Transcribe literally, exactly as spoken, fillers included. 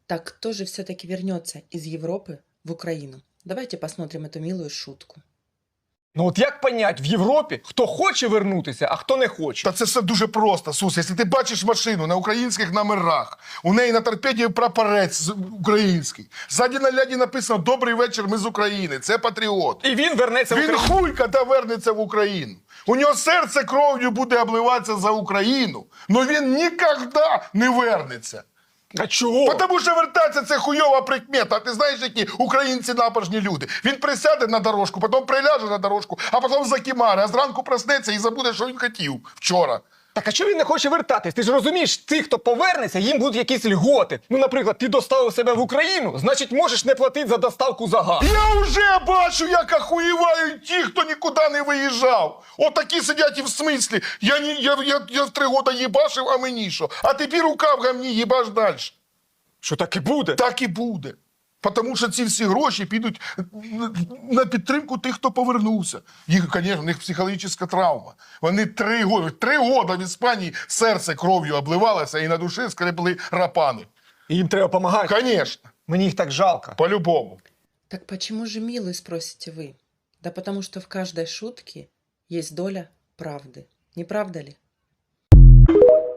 Так кто же все-таки вернется из Европы в Украину? Давайте посмотрим эту милую шутку. Ну от як понять в Європі, хто хоче вернутися, а хто не хоче? Та це все дуже просто, Сус. Якщо ти бачиш машину на українських номерах, у неї на торпеді прапорець з- український, ззаді на ляді написано «Добрий вечір, ми з України», це патріот. І він вернеться в Він Україну. хуйка та вернеться в Україну. У нього серце кров'ю буде обливатися за Україну, але він ніколи не вернеться. А чого? Тому що вертатися це хуйова прикмета. А ти знаєш, які українці напажні люди? Він присяде на дорожку, потім приляже на дорожку, а потім закимаре, а зранку проснеться і забуде, що він хотів вчора. Так а чого він не хоче вертатись? Ти ж розумієш, ті, хто повернеться, їм будуть якісь льготи. Ну, наприклад, ти доставив себе в Україну, значить можеш не платити за доставку за газ. Я вже бачу, як охуєвають ті, хто нікуди не виїжджав. Отакі сидять і в смислі. Я, ні, я, я, я в три роки їбашив, а мені що? А тепер рука в гамні, їбаш далі. Що так і буде? Так і буде. Тому що ці всі гроші підуть на підтримку тих, хто повернувся. Їх, звісно, у них психологічна травма. Вони три роки, три роки в Іспанії серце кров'ю обливалося і на душі скребли рапани. І їм треба допомагати. Звісно, Мені їх так жалко. по-любому. Так почему же милый, спросите вы? Да потому что в каждой шутке есть доля правды. Не правда ли?